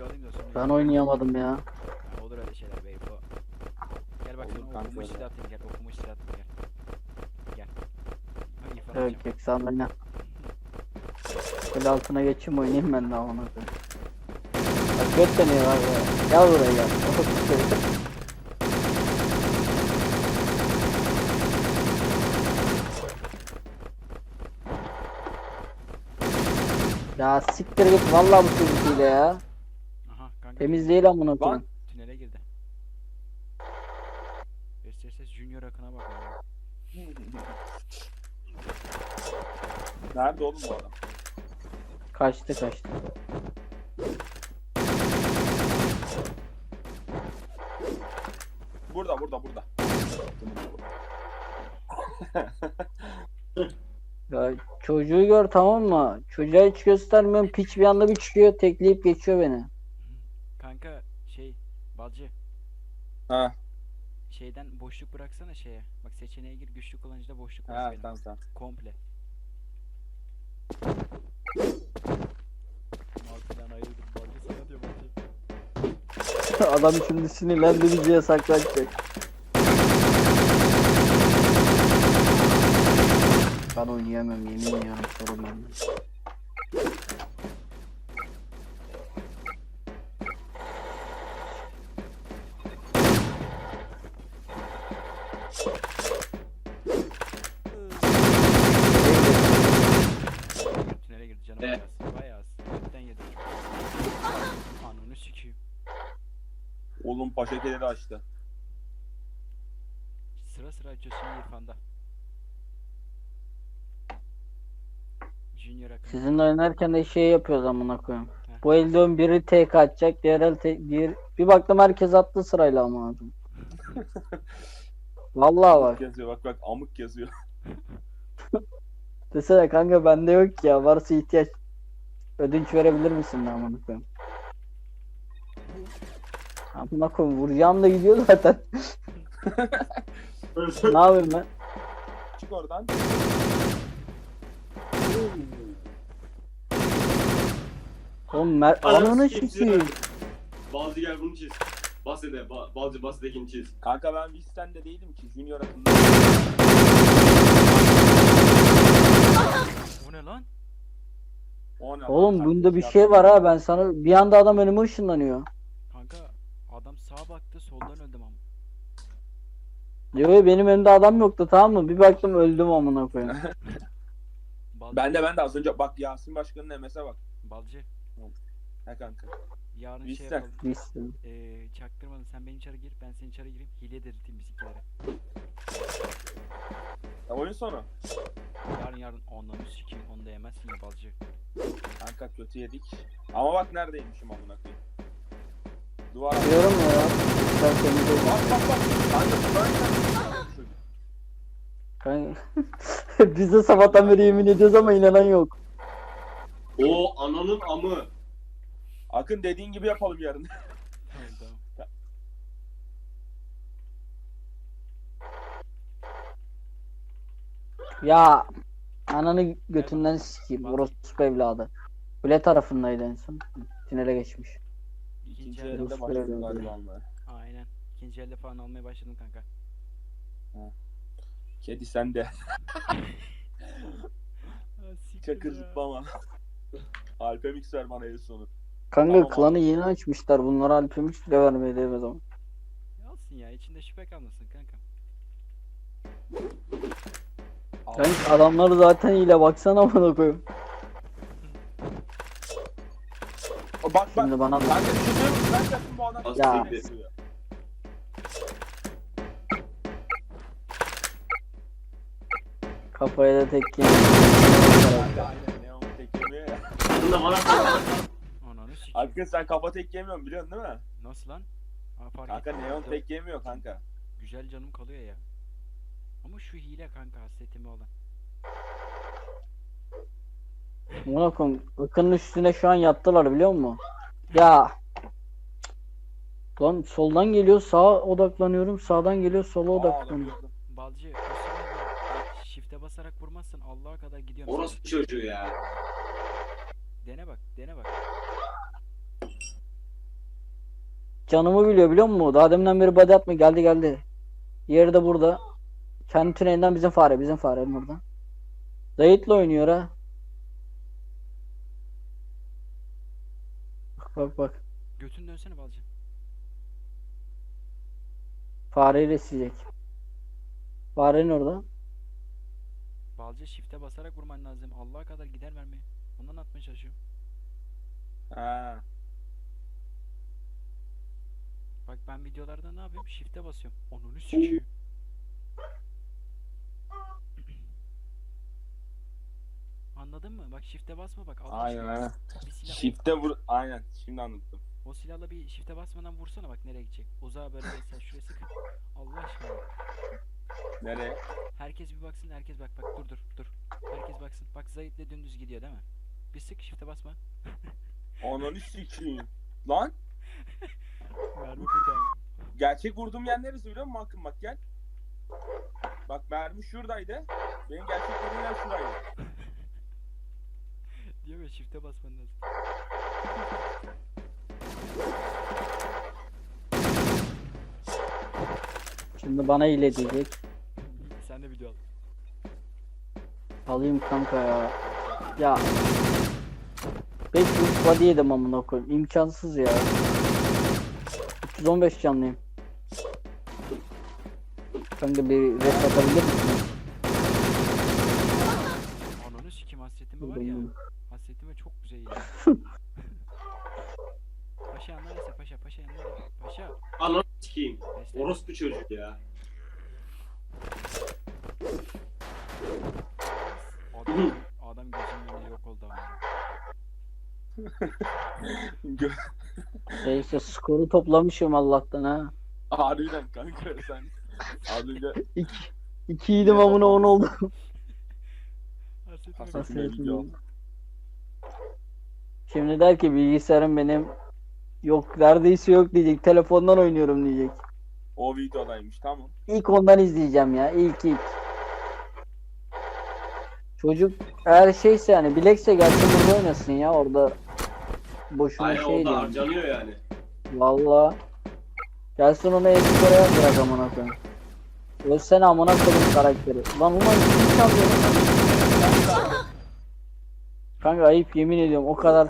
video alayım da sonra. Ben oynayamadım ya. Ha, olur öyle şeyler bey bu. Gel bak Olur sana kanka okumuş öyle. silah atayım gel. Okumuş silah atayım gel. Gel. Bak İrfan Evet atacağım. sen oyna. Böyle altına geçeyim oynayayım ben de amına koyayım. Bak göt deniyor var ya. Gel buraya gel. Ya siktir git vallahi bu çocuk hile ya. Aha kanka. Temiz değil amına koyayım. Tünele girdi. Ses Junior Akın'a bak ya. Nerede oğlum bu adam? Kaçtı. Burada. Ya çocuğu gör tamam mı? Çocuğa hiç göstermiyorum. Piç bir anda bir çıkıyor tekleyip geçiyor beni. Kanka balcı Ha. şeyden boşluk bıraksana şeye. Bak seçeneğe gir güçlü kullanıcıda boşluk Ha bırak benim. tamam. Komple. Martıdan ayrıldım balcı sana diyor balcı. Adam şimdi sinirlendi bizi yasaklayacak. Ben oynayamam yemin ediyorum sorun bende. Tünele girdi canım Evet. bayağı az. Götten yedim. Ananı sikeyim. Oğlum paşakeleri açtı. Sıra açıyorsun İrfan'da. Junior Akın. Sizinle oynarken de şey yapıyoruz amına koyayım. Heh. Bu elde biri tek atacak, diğer el bir baktım herkes attı sırayla amına koyayım. Vallahi bak. Yazıyor bak amık yazıyor. Desene kanka bende yok ya. Varsa ihtiyaç. Ödünç verebilir misin lan amına koyayım? Amına koyayım vuracağım da gidiyor zaten. Ne yapayım ben? Çık oradan. Oğlum ananı sikeyim. Balcı gel bunu çiz. Balcı bahsedekini çiz. Kanka ben Visten değilim ki. Junior Akın'da. O ne lan? O ne lan? Oğlum bunda bir Kardeş şey ya. var ha ben sana bir anda adam önüme ışınlanıyor. Kanka adam sağa baktı soldan öldüm ama. Diyor benim önümde adam yoktu tamam mı? Bir baktım öldüm amına koyayım. Balcı. Ben de az önce bak Yasin Başkan'ın MS'e bak. Balcı. He kanka. Yarın Bilsen. şey yapalım. Bilsin. Çaktırmadan sen beni içeri gir ben seni içeri gireyim. Hile delirteyim bizimkilere. Ya oyun sonu. Yarın onları sikeyim onu da yemezsin ya balcı. Kanka kötü yedik. Ama bak neredeymişim amına koyayım. Duvar altı. Diyorum ya. Sen temizle. Bak. Kanka böyle. Kanka. Biz de sabahtan beri yemin ediyoruz ama inanan yok. O ananın amı. Akın dediğin gibi yapalım yarın. Tamam. Ya ananı götünden sikeyim. Orospu evladı. Kule tarafındaydı en son. Tünele geçmiş. İkinci elde elde Rus başladık böyle galiba oluyor. almaya. Aynen. İkinci elde falan almaya başladım kanka. Kedi sende. Çakır ya. zıplama. Alpemix ver bana en sonu. Kanka Tamam klanı abi. yeni açmışlar. Bunlara Alp'miş bile vermeye değmez ama. Alsın ya içinde şüphe kalmasın kanka. Kanka adamları zaten ile baksana bana koyayım. Bak. Şimdi bana da. Kanka bir şey söyleyeyim mi? Ben yaptım bu adam. Ya. Kafaya da tek yedim. Aynen Neon tek yemiyor ya. Bunu da bana Ananı sikeyim. Akın sen kafa tek yemiyorsun biliyorsun değil mi? Nasıl lan? Aa, fark Kanka ettim. Neon tek yemiyor kanka. Güzel canım kalıyor ya. Ama şu hile kanka hasretimi olan. Buna koyayım. Akının üstüne şu an yattılar biliyor musun? Ya. Lan soldan geliyor sağa odaklanıyorum. Sağdan geliyor sola odaklanıyorum. gördüm. Balcı o sırada shift'e basarak vurmazsan Allah'a kadar gidiyorum. orospu çocuğu ya. Dene bak. canımı biliyor musun? Daha deminden beri body atma geldi. Yeri de burada. Kendi tünelinden bizim farenin orada. Zayit'le oynuyor ha. Bak. Götünü dönsene Balcı. Fareyle isteyecek. Farenin orada. Balcı shift'e basarak vurman lazım. Allah'a kadar gider mermi. Ondan atmaya çalışıyorum. Ha. Bak ben videolarda ne yapıyorum? Shift'e basıyorum. Onunu sikiyor. Anladın mı? Bak shift'e basma bak. Allah Aynen aşkına. aynen. Bir silah, Shift'e vur. Aynen. Şimdi anladım. o silahla bir shift'e basmadan vursana bak nereye gidecek. Uzağa böyle mesela şuraya sık. Allah aşkına. Nereye? Herkes bir baksın, herkes bak dur. Herkes baksın. Bak Zahit'le dümdüz gidiyor değil mi? Bir sık shift'e basma. Ananı sikeyim. Lan. Mermi burada. Gerçek vurduğum yer neresi biliyor musun Hakkım, bak gel. Bak mermi şuradaydı. Benim gerçek vurduğum yer şuraydı. Diyor ya shift'e basman lazım. Şimdi bana hile diyecek. Sen de video al. Alayım kanka ya. Ya. 500 body yedim amına koyayım. İmkansız ya. 315 canlıyım. Kanka bir rest atabilir misin? Ananı sikim hasretime var ya. Hasretime çok güzel iyi. Paşa yanlar ise paşa yanlar. Paşa. Ananı sikeyim. Destek. Orospu çocuk ya. Adam gözümün önünde yok oldu ama. Neyse skoru toplamışım Allah'tan ha. Harbiden kanka sen. Az önce 2 yedim amına 10 oldu. Hasretime Hasan bak. Şuraya video. Şimdi der ki bilgisayarım benim yok neredeyse yok diyecek. Telefondan oynuyorum diyecek. O videodaymış, tamam. İlk ondan izleyeceğim ya. İlk. Çocuk eğer şeyse yani bilekse gelsin burada oynasın ya orada. Boşuna Aynen şey orada diyor. harcanıyor yani. Valla. Gelsin ona eski oraya bırak amına koyayım. Ölsene amına koyayım karakteri. Lan ulan kim çalıyor lan? Kanka ayıp yemin ediyorum o kadar